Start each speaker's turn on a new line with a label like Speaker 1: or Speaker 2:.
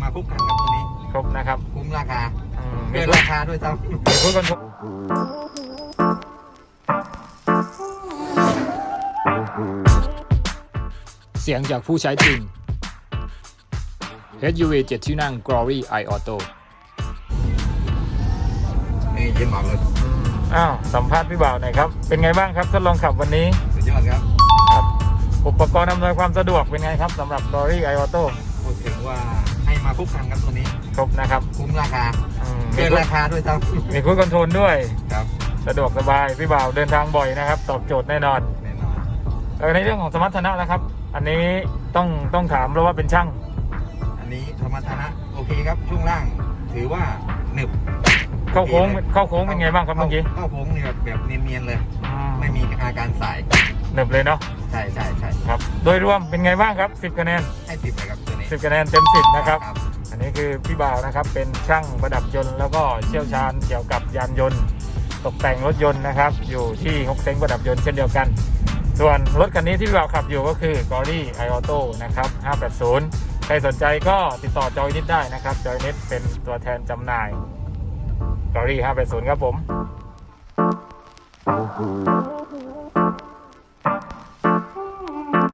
Speaker 1: มาคุกกันครับตัวนี้
Speaker 2: ครบนะครับ
Speaker 1: คุ้มราคา
Speaker 2: มี
Speaker 1: เกินราคาด้วยซ้ำ
Speaker 2: มีพูดกันเสียงจากผู้ใช้จริง SUV 7 ที่นั่ง Glory i Auto
Speaker 1: นี่เย็นมากเลย
Speaker 2: สัมภาษณ์พี่บ่าวหน่อยครับเป็นไงบ้างครับทดลองขับวันนี้
Speaker 1: สุดยอดครับ
Speaker 2: อุปกรณ์อำนวยความสะดวกเป็นไงครับสำหรับ Glory i Auto
Speaker 1: พูดถึงว่าให้มาคุกกันครับตัวนี้
Speaker 2: ครบนะครับ
Speaker 1: คุ้มราคาเกินราคาด้วยซ้
Speaker 2: ำมีครูดคอนโทรลด้วย
Speaker 1: ครับ
Speaker 2: สะดวกสบายพี่บ่าวเดินทางบ่อยนะครับตอบโจทย์แน่นอนในเรื่องของสมรรถนะนะครับอันนี้ต้องถามเพราะว่าเป็นช่าง
Speaker 1: อันนี้สมรรถนะโอเคครับช่วงล่างถือว่าหนึบ
Speaker 2: เข้าโค้งเป็นไงบ้างครับเมื่อกี้
Speaker 1: เข้าโค้งนี่แบบเนียนๆเลยไม่มีอาการสาย
Speaker 2: หนึบเลยเนาะ
Speaker 1: ใช่
Speaker 2: ครับโดยรวมเป็นไงบ้างครับ10คะแนน
Speaker 1: ให้10เลยครับตัวนี้
Speaker 2: 10คะแนนเต็ม10นะครับอันนี้คือพี่บ่าวนะครับเป็นช่างประดับยนต์แล้วก็เชี่ยวชาญเกี่ยวกับยานยนต์ตกแต่งรถยนต์นะครับอยู่ที่ฮกเซ้งประดับยนต์เช่นเดียวกันส่วนรถคันนี้ที่พี่บ่าวขับอยู่ก็คือ Glory i Auto นะครับ580ใครสนใจก็ติดต่อจอยนิดได้นะครับจอยนิดเป็นตัวแทนจำหน่าย Glory 580ครับผม